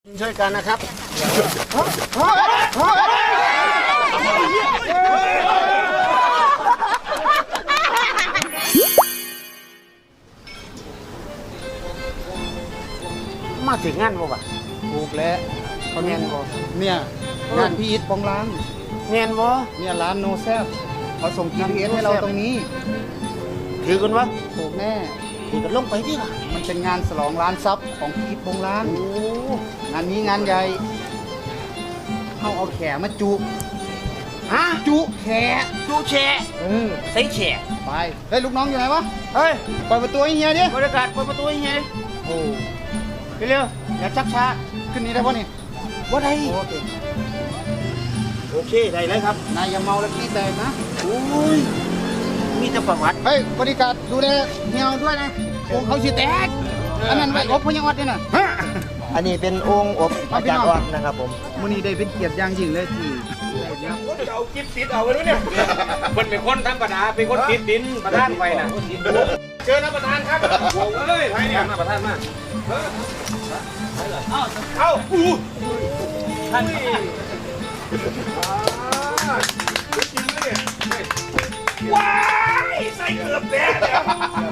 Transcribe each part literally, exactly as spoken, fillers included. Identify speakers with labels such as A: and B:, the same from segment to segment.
A: ช่วยกันนะครับมาถึงงานบ่ปะ
B: ถูกแล้ว
A: เขาเมียนบ่
B: เนี่ยงานพี่อิทปองร้าน
A: เมียนบ่
B: เนี่ยร้านโนแซบเขาส่ง จี พี เอส ให้เราตรงนี้
A: ถือกันวะ
B: ถูกแน่
A: ถือกันลงไปที่ว่ะ
B: มันเป็นงานฉลองร้านซับของพี่อิทปองร้าน
A: โอ้
B: งานนี้งานใหญ่เขาเอาแขมาจุ
A: ฮะ
B: จุแข
A: จูแชะ
B: เออ
A: ใส่แฉะ
B: ไปเฮ้ยลูกน้องอยู่ไหนวะ
A: เฮ้ย
B: เปิดประตูให้เฮียดิ
A: บรรยากาศเปิดประตูให้เฮียดิ
B: โอ้
A: เร็วอย่าชักช้า
B: ขึ้นนี้ได้ปะนี่
A: ว่าได
B: โอเค
A: โอเคได้เลยครับ
B: นายอย่าเมาแล้วขี้แตกนะ
A: โอ้ยมีแต่ประวัติ
B: เฮ้ยบริการดูแลเฮียด้วยนะโอ้เขาสิแตกอันนั้นไว้อบพยังอดด้วยนะ
C: อันนี้เป็นองค์อบ
B: เอา
C: อา
B: พี่
C: จาร
B: น้
C: ย์
B: อง
C: ออดนะครับผม
B: มื้อนี้ได้เป็นเกียรติอย่างยิ่งเลยที่ได้เนี่ย
D: เอากิ๊บติดเอาไว้ด้วยเนี่ยมันเป็นคนธรรมดาเป็นคนติดดินประธานไปนะเชิญนะประธานครับโอ้เอ้ยใครเนี่ยมาประธานมาเอาเอาอู้ท่านว้ายใส่เกือบแตกแล้ว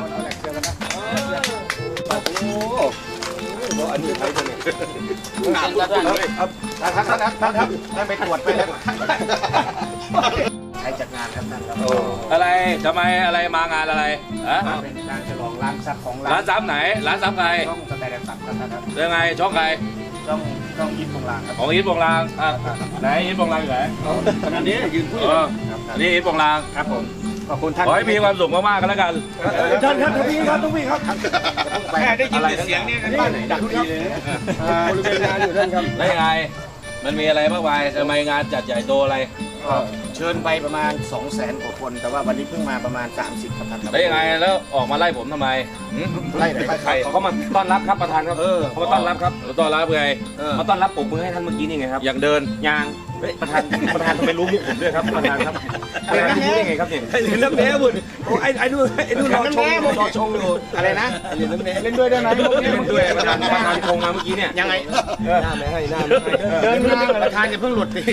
D: โอ้อันนี้ใครตัวเนี่ยหนักแล้วเลยครับท่านท่านท่านครับท่านไปตรวจไปแล้ว
A: ใครจัดงานครับท่านครับ
E: อะไรทำไมอะไรมางานอะไรฮะ
A: เป็นการฉลองร้านซับของ
E: ร้า
A: ร้าน น
E: ซับไหน ร้านซับใคร
A: ช่องสแตนดาร์ดซับครับท่านครับ
E: ยังไงช่องใคร
A: ช่องช่องยิปของร้านครับ
E: ของอีทโปงลางอ่ะไหนอีทโปงลางอยู่ไหน
A: ขณะนี้ยืนพูด
E: เอออันนี้อีทโปงลาง
A: ครับผมขอบคุณท่าน
E: ขอให้มีความสุขมากๆกันแล้วกัน
D: ท่านครับทุกพี่ครับทุกพี่ครับแค่ได้ยินเสียงเนี่ยบ้านไหนดังดีเลยบริเวณงานอยู่ท่านครับ
E: แล้วยังไง มันมีอะไรมากมายทำไมงานจัดใหญ่โตอะไร
A: เชิญไปประมาณ สองแสน กว่าคน แต่ว่าวันนี้เพิ่งมาประมาณ สามสิบครับท่านครับ
E: แล้วยังไงแล้วออกมาไล่ผมทำไมหืม
A: ไล่ไหนไล่ใคร
D: เขาก็มาต้อนรับครับประธานครับ
E: เออ
D: เขามาต้อนรับครับ
E: แล้วต้อนรับไง
D: มาต้อนรับปรบมือให้ท่านเมื่อกี้นี่ไงครับ
E: อยากเดิน
D: ยางเฮ้ยประธานประธานทำไมรู้มุกผมด้วยครับประธานครับประธานรู้ได้ไงครับเนี่ยไอ้เล่นน้ำแน่บุญโอ้ไอ้ไอ้นู่นไอ้นู่นรอชงรอชงอยู่
A: อะไรนะ
D: ไอ้เล่นน้ำแน่เล่นด้วยได้ไหมเล่นด้วยประธานประธานชงมาเมื่อกี้เนี่ย
A: ยังไง
D: หน้าแม่ให้หน้าแม่ให้
A: เดินมาประธานจะเพิ่งหลุดสิ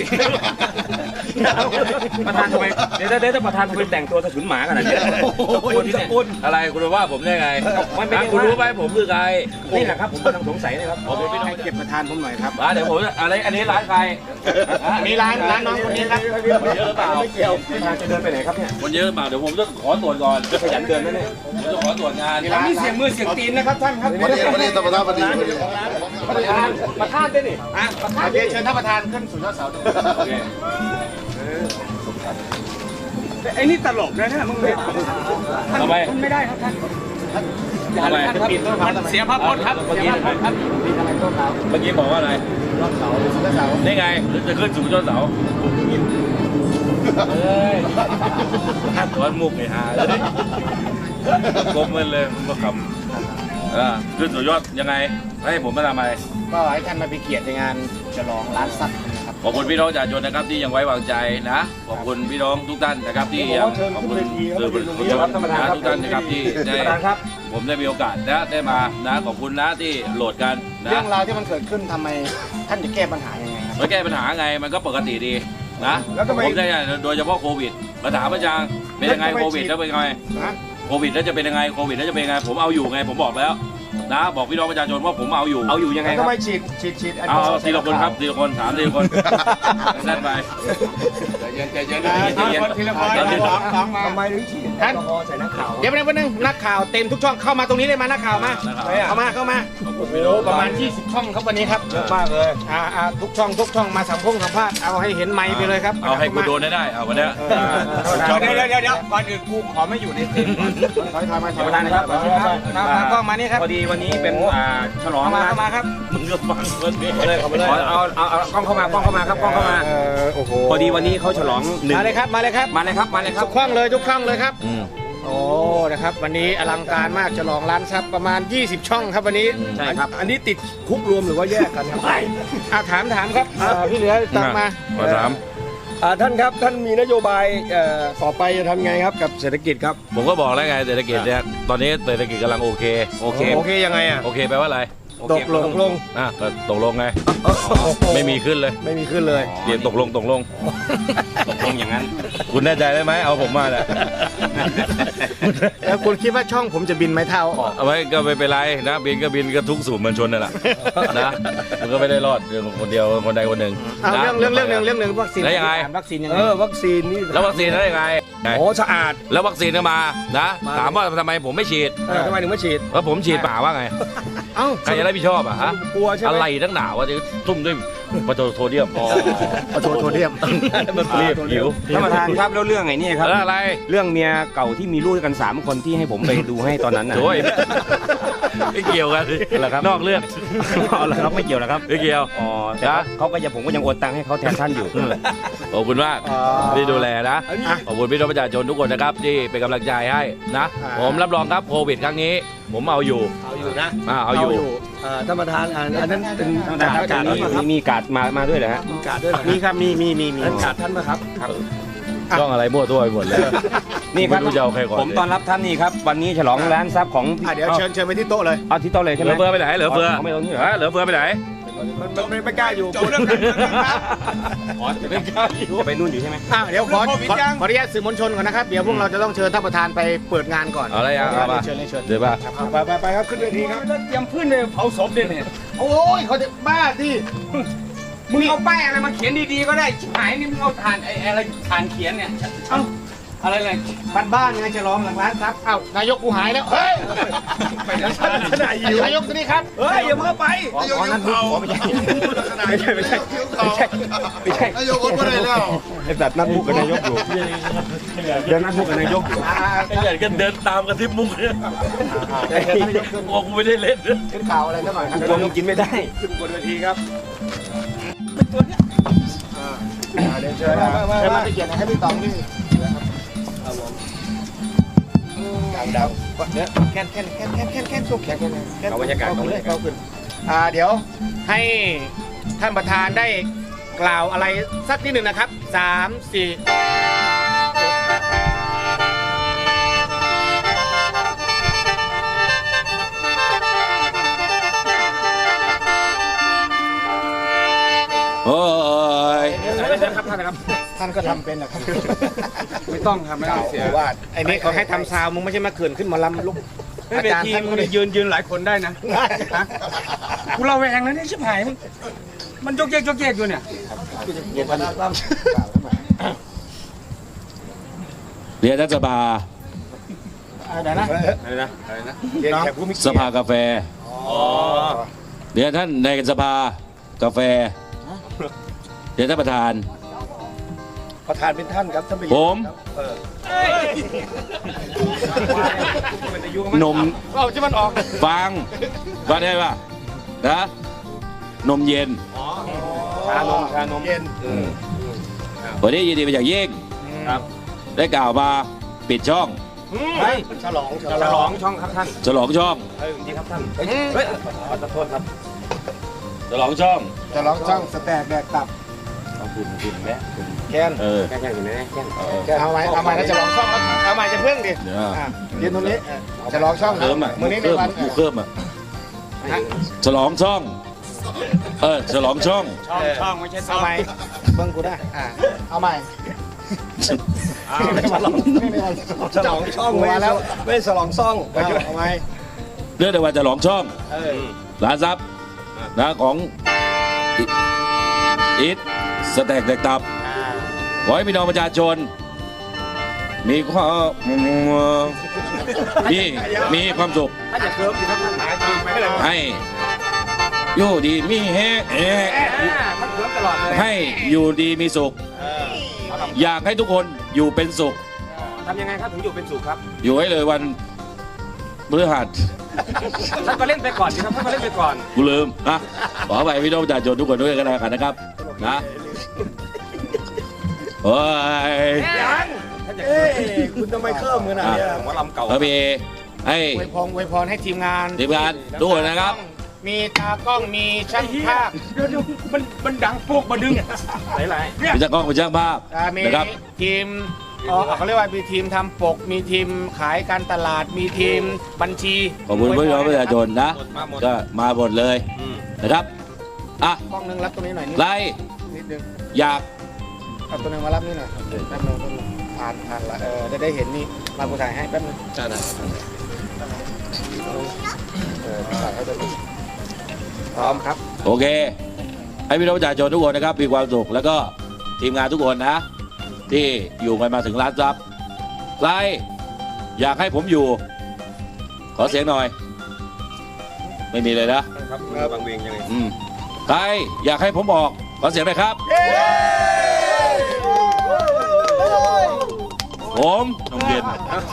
D: ประธานทำไมเดี๋ยวเดี๋ยวประธานทำไมแต่งตัวสะฉุนหมาขนาดนี้ตะโกน
E: อะไรคุณว่าผมได้ไง
D: มันเป็น
E: อ่ะคุณรู้ไหมผมคือใคร
D: นี่แหละครับผมกำลังสงสัยนะครับ
E: ผมเป็นพี่น้อง
A: ให้เก็บประธานผมหน่อยครับ
E: อ่ะเดี๋ยวผมอะไรอันนี้ร้านใคร
A: อันนี้ร้านร้านน้องคนนี้ครับ
E: เยอะหรือเปล่า
D: ไม่เกี่ยวประธานจะเดินไปไหนครับเนี่ย
E: คนเยอะหรือเปล่าเดี๋ยวผมจะขอตรวจก่อน
D: จะขยันเดินนะเนี่ย
E: ผมจะขอตรวจงาน
D: มีเสียงมือเสียงตีนนะครับท่านครับ
C: วันนี้วันนี้ตประธานวันนี้
D: ประธานประธานได้นี่
A: อ่ะประธานเชิญท่านประธานขึ้นสู่ยอดเสา
E: โอเค
D: ไอ้นี่ตลกนะเนี่ยมึงเลย
E: ทำไม
D: ท่านไม่ได้ครับท่าน
E: ทำไม
D: ท่านปิดมันเสียภาพพจน์ครับ
E: เมื่อกี้
D: ครับ
E: เมื่อกี้บอกว่าอะไร
A: ยอดเสาสู่ยอดเสา
E: นี่ไงจะขึ้นสู่ยอดเสาเอ้ยตอนมุกไอ้ห่าเลยกลมมันเลยมาขำอ่าขึ้นสู่ยอดยังไงให้ผมมาทำอะไร
A: ก็ให้ท่านมาเป็นเกียรติในงานฉลองร้านซับนะครับ
E: ขอบคุณพี่น้องประชาชนนะครับที่ยังไว้วางใจนะขอบคุณพี่น้องทุกท่านนะครับที่ยังขอบคุณสื่อมวลชนนะทุกท่านนะครับที่ได้
D: ประธานครับ
E: ผมได้มีโอกาสนะได้มานะขอบคุณนะที่โหลดกันนะ
A: เรื่องราวที่มันเกิดขึ้นทำไมท่านจะแก้ปัญหายังไงครับ
E: มาแก้ปัญหาไงมันก็ปกติดีนะผมได้โดยเฉพาะโควิดมาถามอาจารย์เป็นยังไงโควิดแล้วเป็นยังไง
A: นะ
E: โควิดแล้วจะเป็นยังไงโควิดแล้วจะเป็นยังไงผมเอาอยู่ไงผมบอกแล้วนะบอกพี่น้องประชาชนว่าผมเอาอยู่
D: เอาอยู่ยังไงค
A: ทำ
D: รับ
A: ไมฉีดฉีดฉีด
E: เอาเอาทีละคนครับทีละคนถามทีละคนนั่นไป
A: เย็นใจเย็นนะทีละคนสองสองมาทำไมถึงฉีดท่านเดี๋ยวไปนึงนักข่าวเต็มทุกช่องเข้ามาตรงนี้เลยมานักข่าวมาเข้ามาเข้ามาโอ้โหประมาณยี่สิบช่องครับวันนี้ครับเยอะมากเลยอ่าอ่าทุกช่องทุกช่องมาสัมพงสัมภาษณ์เอาให้เห็นไมค์ไปเลยครับ
E: เอาให้กูโดนได้เอาวันเนี้ย
D: เดี๋ยวเดี๋ยวเดี๋ยวเดี๋ยวก่อนอื่นกูขอไม่อยู่ในเต็ม
A: ถอยถอยมาถอย
D: ประธานครับ
A: มากล้องมานี่ครับ
D: พอดีวันนี้เป็นอ่าฉลอง
A: เข้ามา
D: ร้าน
A: เข้ามาครับ
E: มึงก็ฟังคนนี้
D: เลยเอาเลยเอาเอาเอากล้องเข้ามากล้องเข้ามาครับกล้องเข้ามา
A: โอ้โห
D: พอดีวันนี้เขาฉลองหนึ่ง
A: มาเลยครับมาเลยครับ
D: มาเลยครับมาเลยครั
A: ทุ
D: บ
A: กช่องเลยทุกช่องเลยครับ
E: อืม
A: โอ้นะครับวันนี้อลังการมากฉลองร้านซับประมาณยี่สิบช่องครับวันนี้
D: ใช่ครับ
B: อันนี้ติดคุกรวมหรือว่าแยกกันครับ
A: อ่ะถามถามครับอ่าพี่เหลือตามมา
E: มาถาม
B: อ่าท่านครับท่านมีนโยบายเอ่อต่อไปจะทำไงครับกับเศรษฐกิจครับ
E: ผมก็บอกแล้วไงเศรษฐกิจเนี่ยตอนนี้เศรษฐกิจกำลังโอเคโอเค
B: โอเคยังไงอ่ะ
E: โอเคแปลว่าอะไร
B: โอ
D: ตกลงตกลง
E: อ่ะก็ตกลงไงไม่มีขึ้นเลย
D: ไม่มีขึ้นเลย
E: เดี๋ยวตกลงตกลง
A: ตกลงอย่างนั้น
E: คุณแน่ใจได้ไหมเอาผมมาแหละ
B: แล้วคุณคิดว่าช่องผมจะบินไหมเท่าออก
E: เอาไว้ก็ไม่เป็นไรนะบินก็บินก็ทุกสู่มวลชนนั่นแหละนะมันก็ไม่ได้รอดเรื่องคนเดียวคนใดคนหนึ่ง
B: เอา
E: นะ
B: เรื่องเรื่องเรื่องหนึ่งเรื่องหนึ่งวัคซีน
E: แล้วยังไง
B: วัคซีนยังไง
D: เออวัคซีนนี่
E: แล้ววัคซีนได้ยังไง
D: โอ้สะอาด
E: แล้ววัคซีนก็มานะ
D: มา
E: ถามว่าทำไมผมไม่ฉีด
D: เออทำไมถึงไม่ฉีด
E: แล้วผมฉีดป่าว่าไง
B: เอ้า
E: ใครจะรับผิดชอบอ่ะฮะ
D: กลัวใช่ไหม
E: อะไรทั้งหนาวะจะทุ่มด้วยปะโทโซเดียม
B: ขอโทษโทษเทียม
E: มันรีบหิว
A: ท่านประธานครับแล้วเรื่องไอ้นี่ครับ
E: แล้วอะไร
A: เรื่องเมียเก่าที่มีลูกด้วยกันสามคนที่ให้ผมไปดูให้ตอนนั้นน่ะ
E: โอ้ยไม่เกี่ยวกันสิ
A: เหรอครับ
E: นอกเรื่อง
A: อ๋อเหรอครับไม่เกี่ยวนะครับ
E: ไม่เกี่ยว
A: อ๋อแต่ว่าเขาก็ยังผมก็ยังโอนตังค์ให้เขาแทนท่านอยู่
E: ขอบคุณมากที่ดูแลนะขอบคุณพี่น้องประชาชนทุกคนนะครับที่เป็นกำลังใจให้นะ ผมรับรองครับโควิดครั้งนี้ ผมเอาอยู่
D: เอาอยู่นะ
E: อ่าเอาอยู่
D: อ่าท่านประธานอ่าอันนั้นเป็น
A: การดการมีมีการดมามาด้วยเหรอฮะ
D: มีการดด้วยเหรอ
A: มีครับมีมีมีมี
D: ท่านการดท่านมาครับ
E: ต้องอะไรมั่วตัวไปหมดเลย
A: นี่ครับ
E: ไม่รู้จะเอาใครก่อน
A: ผมต้อนรับท่านนี่ครับวันนี้ฉลองร้านทรัพย์ของ
B: อ่ะเดี๋ยวเชิญเชิญไปที่โต๊ะเลย
A: เอาที่โต๊ะเลย
E: เห
A: ใช่ไห
E: ลื
A: ม
E: อเฟือไปไหนเหลือเฟือ
A: เอาไม่ตรงนี้เหรอ
E: ฮะเหลือเฟือไปไหน
D: มันมันไม่ไม่กล้าอยู่กลัว
E: ไม่กล้าอยู่
A: จะไปนู่นอยู่ใช่ไหม
B: อ่ะเดี๋ยวขอขอขออนุญาตสื่อมวลชนก่อนนะครับ เดี๋ยวพวกเราจะต้องเชิญท่านประธานไปเปิดงานก่อน
E: เอาอะไรอ่ะเอามา
B: เชิญเลยเชิญ
E: เดี๋ยวป่ะ
D: ไปไปไปครับขึ้นเวทีครับ
A: เตรียมพื้นเลยเผาศพเลยเนี่ย
B: โอ้ยเขาจะบ้าสิ
A: มึงเอาป้ายอะไรมาเขียนดีๆก็ได้ชิบหายนี่มึงเอาถ่านไอ้อะไรถ่านเขียนเนี่ยเอ้าอะไรเลย
B: บ้านบ้านๆไงจะล้อมหลังร้านครับเอ้านายกกูหายแล้วเฮ้ย
A: ไปแล้ว
B: นายกตัวนี้ครับ
D: เฮ้ยอย่าเพิ่งไป
A: ขอขอนั่นพูดขอไม่ใช่ไม่ใช่ไม่ใช่ไม่ใช่ไม่ใช่
C: นายกคนไม่ได้แล้ว
A: ไอ้แบบนัดพูดกับนายกอยู่เดี๋ยวนัดพูดกับนายกอยู่
E: ไอ้ใหญ่ก็เดินตามกระทิบมุกเนี่ยโอ้กูไม่ได้เล่น
B: ขึ้นข่าวอะไรสักหน่อยครับ
A: กลัวมึงกินไม่ได้
D: ขึ้นบนเวทีครับ
B: เดี๋ยวเชิญนะเชิญมาไปเกียรติให้พี่ตองนี่ดาวๆเนี่ยแค่นแค่นแค่นแค่นแค่นแค่นสุกแค่นแค่นแค่น
A: เอาบรรยากาศ
B: เข้า
A: เอา
B: ขึ้น
A: บร
B: เล
A: ร
B: ย
A: ยากาศ
B: เข้าขึ้นอ่าเดี๋ยวให้ท่านประธานได้กล่าวอะไรสักนิดหนึ่งนะครับสามสี่
E: โอ้ย
A: ครับท่านนะครับ
B: ท่านก็ทำเป็นนะครับ
A: ไม่ต้องครับไม่ต้องเสีย
B: วาดไอ้นี่เขาให้ทำซาวมึงไม่ใช่มาเขื่อนขึ้นมาลำลุก
A: ไม่เป็นทีมมึงยืนยืนหลายคนได้นะกูเราแวงนะเนี่ยชิบหายมึงมันยกเยกยกเยกอยู่เนี่ย
E: เรียนท่านสภา
B: เดี๋ยวนะ
A: อะไรนะอะไรนะ
B: เดี๋ยวแขกผู้มี
E: ส
B: เกียรติ
E: ภากาแฟเรียนท่านในสภากาแฟเรียนท่านประธาน
D: ประธานเป็นท่านครับท่านประ
E: ผ
D: ยุทธ์
E: ม นม
B: เอาจะมันออก
E: ฟังฟังได้ป่ะนะนมเย็น
A: ชานมชานม
B: เย็น
E: วันนี้ยินดีไปจากเย่ง
A: ครับ
E: ได้กล่าวมาปิดช่อง
A: เฮ้ย
B: ฉลองฉ
A: ฉ
B: ล
A: ล
B: อ
A: อง งช่องครับท่าน
E: ฉลองช่อง
A: เฮ้ยดีครับท่านเฮ้ยขอโทษครับ
E: ฉลองช่อง
B: ฉลองช่องสแตกแดกตับ
A: เอาคุณคุณแม่
B: แค้น
E: เออ
A: แค่แค่อยู่ไหนแค่
B: เอาใหม่เอาใหม่แล้วฉลองช่องแล้วเอาใหม่จะเพิ่งดิ
E: เดี๋ยว
B: อ่ะยืนตรงนี้ฉลองช่อง
E: เคิมอ่ะ
B: มือนี้ใน
E: เคิม
B: วัน
E: หมูเคิมอ่ะฉลองช่อง เออฉลองช่อง
A: ช่องช่องไม่ใช่ช่
B: เอา
A: อง
B: ใหม่เบิ้งกูได้อ่ะเอาใหม่
D: ฉลองฉลองช่องไม่
B: มาแล้ว
D: ไม่ฉลองซ่อง
B: เอาเอาใหม่
E: เรื่องในวันฉลองช่องร้านซับนะของอิทสแต็กแตกตับขอให้พี่น้องประชาชน มีความมีมีความสุข
A: ถ้าจะเคิร์ฟอยู่ครับท่านหายจริงไม่เลย
E: ให้อยู่ดีมีแฮะแฮะ
A: ท่านเคิร์ฟตลอดเลย
E: ให้อยู่ดีมีสุข อยากให้ทุกคนอยู่เป็นสุข
A: ทำยังไงครับถึงอยู่เป็นสุขครับ
E: อยู่ให้เลยวันพฤหัส
A: ท่านก็เล่นไปก่อนสิครับท่านก็เล่นไปก่อน
E: กูลืมนะขอไปพี่น้องประชาชนทุกคนด้วยกันแล้วกันนะครับนะโอ้ย
D: เอ้ยคุณทำไมเคริ่มขนาดนี้
A: หัวลำเก่า
E: เออพี่ให้
B: อวยพรอวยพรให้ทีมงาน
E: ทีมงานทุกคนนะครับ
B: มีตากล้องมีช่างภาพ
A: เดี๋ยวมันมันดังพวกมาดึงไหลไหล
E: เป็นช่างกล้องเป็นช่างภาพ
B: อ่ามี
E: นะครับ
B: ทีมอ๋อเขาเรียกว่ามีทีมทำปก มีทีมขายการตลาด มีทีมบัญชี
E: ขอบคุณพี่น้องประชาชนนะ ก็มาหมดเลยนะครับอ่ะ
B: กล้องนึงรับตรงนี้หน่อยนิด
E: ไร
B: นิดนึง
E: อยาก
B: เอาตัวนึงมารับนี่หน่อยแป๊บนึงแป๊บนึงผ่านผ่านละเออจะได้เห็นนี่มากูถ่ายให้แป๊บนึงใช่ได้เออถ่ายให้ตัวนี้พร้อมครับ
E: โอเค ให้พี่น้องประชาชนทุกคนนะครับมีความสุขแล้วก็ทีมงานทุกคนนะ ที่อยู่กันมาถึงล้านซับใครอยากให้ผมอยู่ ขอเสียงหน่อย ไม่มีเลยนะครับ
D: บางเวียงยังไง
E: อืมใครอยากให้ผมออกขอเสียงหน่อยครับ ผมนมเย็น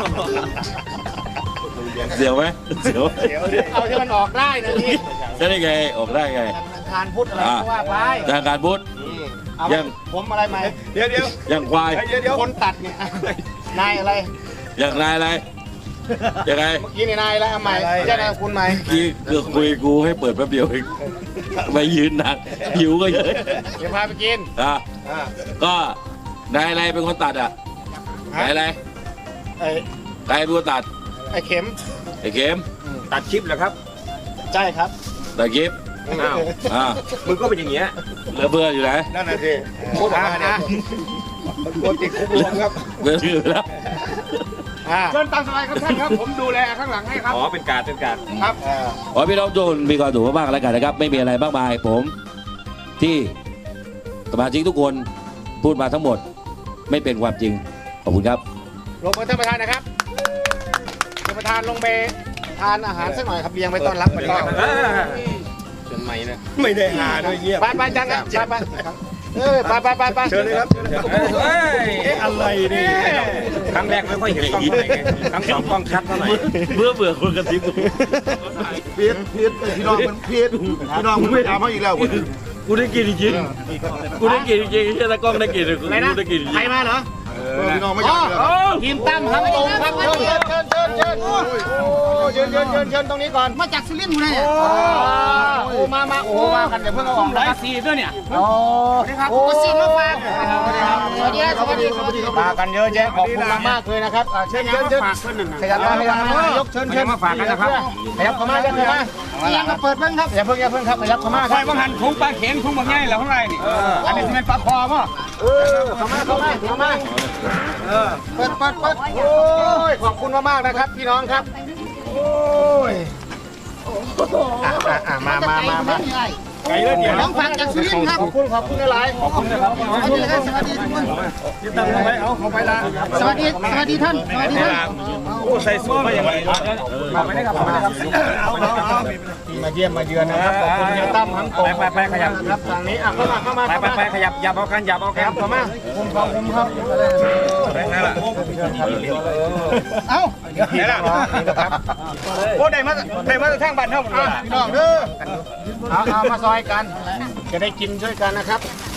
E: เสียวไหมเสียว
B: เดี๋ยวเอาที่มันออกได้นะพี่
E: จะได้ไงออกได้ไง
B: ทานพุทธอะไรก็ว่าไป
E: ทางการพุทธ
B: เอา
E: ยัง
B: ผมอะไรไหม
D: เดี๋ยวเดี๋ยว
E: ยังควาย
D: เดี๋ยวเดี๋ยว
B: คนตัดเนี่ยนายอะไร
E: ยังนายอะไรยังไง
B: เมื่อกี้นี่นายอะไรเอาใหม่ใช่นายคุณไหม
E: กี้คือคุยกูให้เปิดแป๊บเดียวเองไม่ยืนนานหิวก็เยอะ
B: เดี๋ยวพาไปกิน
E: อ่ะก็นายอะไรเป็นคนตัดอ่ะนายอะไร
B: ไอ้
E: ใครเป็นคนตัด
B: ไอ้เข็ม
E: ไอ้เข็ม
D: ตัดคลิปเหรอครับ
B: ใช่ครับ
E: ตัดกิฟ
D: อ้าว
E: อ่า
D: มึงก็เป็นอย่างเงี้ย
E: เหลือเพื่อนอยู่ไหน
D: นั่นน่ะสิพูดออกมาเนี่ยโดนติดคุกรวมครับ
E: เหลืออยู่แล้ว
B: อ่า
A: เชิญตามสบายครับท่านครับ ผมดูแลข้างหลังให้ครับ
D: อ๋อเป็นการเป็นการ
A: ครับ
E: ขอพี่น้องทุกคนมีความสุขมากๆแล้วกันนะครับ ไม่มีอะไรมากมายผมที่สมาชิกทุกคนพูดมาทั้งหมด ไม่เป็นความจริงขอบคุณครับ
B: ลงไปท่านประธานนะครับท่านประธานลงไปทานอาหารสักหน่อยครับเลี้ยงไปต้อนรับไปต้อนรับ
D: เชิญใหม่นะไม่ได้หาด้วยเงียบ
B: ไปไปจังครับไปไปเออไปไปไปไป
D: เชิญเลยครับเฮ้ยเอ๊ะอะไรนี่ครั้งแรกไม่ค่อยเห็นกล้องเท่าไหร่ไงครั้งสองกล้องชัดเท่าไหร่
E: เบื่อเบื่อคนกระซิบ
C: เพียรเพียรพี่น้องมันเพียรพี่น้องมันไม่ทำให้อีกแล้ว
E: กูได้กินจริงๆกูได้กินจริงๆแค่ตะกล้องได้กินกู
B: อะไรนะ
E: ได้กินจริง
B: ใครมาเหรอ
C: พี่น้องไม่อยากเลย
B: ทีมตั้มครับตรงครับเชิญเชิญเชิญเชิญเชิญโอ้เชิญเชิญเชิญเชิญตรงนี้ก่อนมาจากสุรินทร์เลยโอ้มามาโอ้มากันเดี๋ยวเพิ่งเอาออกนะ
A: ได้
B: ครับ
A: สีด้วยเนี่ย
B: โอ้โอ้ซีมาฝากสวัสดีครับสวัสดีสวัสดีมากันเยอะแยะขอบคุณมากเลยนะครับเชิญเชิญเชิญขยับมาขยับมายกเชิญเชิญมาฝากกันนะครับขยับเข้ามาขยับเข้ามายังก็เปิดเพิ่งครับอย่าเพิ่งอย่าเพิ่งครับขยับเข้ามา
A: คอยบังหันถุงปลาเข็งถุงบางใหญ่แล้วข้างในนี่อันนี้จะเป็นปลาคอมั้ง
B: เออเข้ามาเข้ามาเข้ามาเปิดเปิดเปิดโอ้ยขอบคุณมากๆนะครับพี่น้องครับโอ้ยอ่ะมามามามา
D: ไกลแล้วเดี๋ยว
B: น้องฟังจากสุรินทร์ครับขอบคุณขอบคุณอะไรขอบคุณนะครับสวัสดีครับสวัสดีทุกคน
D: ยึดตั้งเอาไว้เอาเอาไปละ
B: สวัสดีสวัสดีท่านสวัสดีท่าน
D: โอ้ใส่สูทมาอย่างไรเอาไปได้ครับเอาไปได้ครับเอาเอาเอา
B: ที่มาเยี่ยมมาเยือนนะครับขอบคุณเฮียตั้มทั้งตรง
D: ไปไปไปขยับ
B: ครับทางนี้อ่ะเข้ามาเข้ามา
D: ไปไปไปขยับยับเอากันยับเอา
B: ค
D: กัน
B: รับเข้ามาผมขอบคุณครับ
D: นั่นแหละ
B: เอ้านี่นะครับโอ้ได้มาได้มาทางบ้านเท่าหมดเลยพี่น้องเด้อเอาเอามาซอยกันจะได้กินช่วยกันนะครับ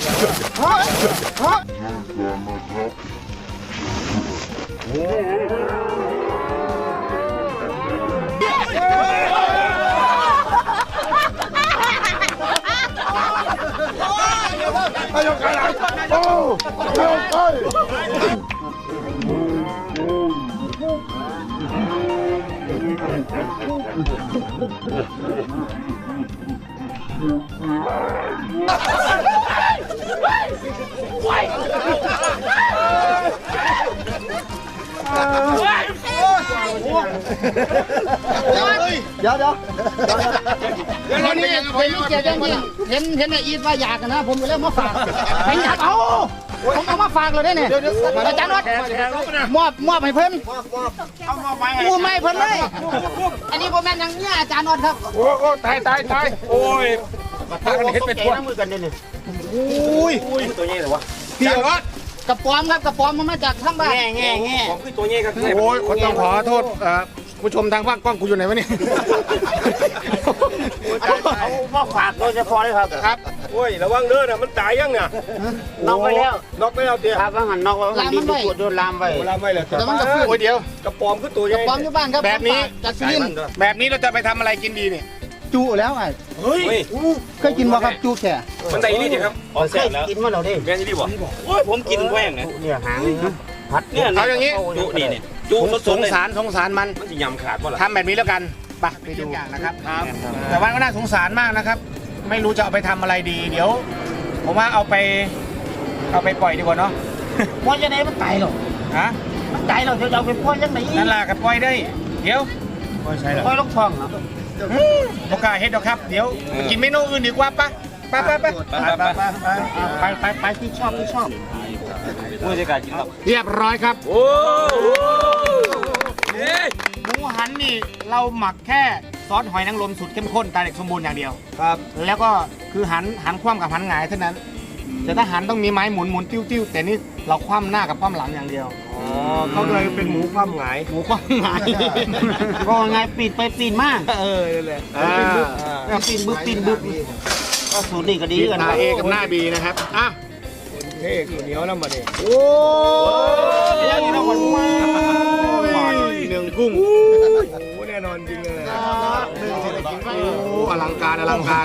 B: เดี๋ยวเดี๋ยว
F: วันนี้เป็นลูกเกียรติจริงๆเห็นเห็นไอ้อีทว่าอยากกันนะ ผมก็เลยมาฝากไปอยากเอาผมเอามาฝากเลยได้เนี่ยอาจารย์วัดมอบมอบให้เพิ่นกูไม่เพิ่นเลยอันนี้ผมแม่นยังเนี่ยอาจารย์วัดครับ
A: โอ้โอ้ตายตายตายโอ้ยพากันเห็นเป็นพวก
B: มือกันเนี่ย
D: อุ้ยตัวนี้เหรอวะ
A: พี่รถ
F: กระป๋อมครับกระป๋อมมันมาจากข้างบ้าน
B: แง่แง่แง่
D: ผมคือตัวนี้ครับ
B: โอ้ยคนต้องขอโทษผู้ชมทางบ้านกล้องกูอยู่ไหนวะเนี่ยเอามาฝากโดยเฉพาะเลยครับครับ
D: โอ้ยระวังเด้อนะมันตายยังเนี่ย
B: น็อกไปแล้ว
D: น็อกไม่เอาเตี้ย
B: ครับว่าหันน็อกว่าหันดีตัวโดนลามไป
D: เวลาไม่เลย
F: แต่มันก็ฟื้น
B: โอ้ยเดี๋ยว
D: กระป๋อมคือตัว
F: ก
D: ให
F: ระ
D: ญ่
F: ป๋อมอยู่บ้านครับ
B: แบบนี้
F: จากสุรินทร์
B: แบบนี้เราจะไปทำอะไรกินดีเนี่ย
F: จูแล้วไง
D: เฮ้ย
F: เคยกินบ่ครับจูแค่
D: มันได้นี่ดิครับอ๋อ
B: เคยกินมาเราดิ
D: แม่นี่ดิบ่โอ้ยผมกินแหว่งนะ
B: เนี่ยหางผัด
D: เนี่ย
A: เอาอย่างนี้
D: จุนี่นี่จุส
A: ส
D: ด
A: ง
D: ๆเลย
A: สารสงสารมัน
D: มันจะยำขาดป่ะล่ะ
A: ทำแบบนี้แล้วกันไปไปดูนะครับแต่ว่าก็น่าสงสารมากนะครับ ไม่รู้จะเอาไปทำอะไรดี เดี๋ยว ผมว่าเอาไป เอาไปปล่อยดีกว่าเนาะ
F: ปล่อยยังไงมันตายหรอ
A: ฮะ
F: มันตายหรอจะเอาไปปล่อยยังไง
A: นั่นล่ะกับปล่อยได้ เดี๋ยวปล่อยใช่หรอ
F: ปล่อยลงท้องเหรอ
A: โอกาสเฮ็ดดอกครับ เดี๋ยวไปกินเมนูอื่นดีกว่าปะไปไปไป
F: ไปไปไปที่ชอบที่ชอบ
D: ผู้จัดการกินครับ
A: เรียบร้อยครับ
D: โอ้
A: หมูหันนี่เราหมักแค่ซอสหอยนางรมสูตรเข้มข้นตาเด็กสมบูรณ์อย่างเดียวครับ แล้วก็คือหันหันคว่ำกับหันหงายเท่านั้น แต่ถ้าหันต้องมีไม้หมุนหมุนติ้วติ้วแต่นี่เราคว่ำหน้ากับคว่ำหลังอย่างเดียว
C: อ๋อเขาเลยเป็นหมูความหงาย
A: หมูคว่ำหงาย
F: ก็ไงปีนไปปีนมา
A: เออนั่นแหละ
F: ปีนบึ้บปีนบึ้บก็สูตรดีก็ดีกัน
A: หน้า
F: นะ
A: เอกับหน้าบีนะครับอ่ะ
C: เท่เหนียวแล้วมาดิ
A: โอ้ยนี่นะวันหนึ่งกุ้ง
C: โอ้แน่นอนจริงเลย
A: โอ้อลังการอลังการ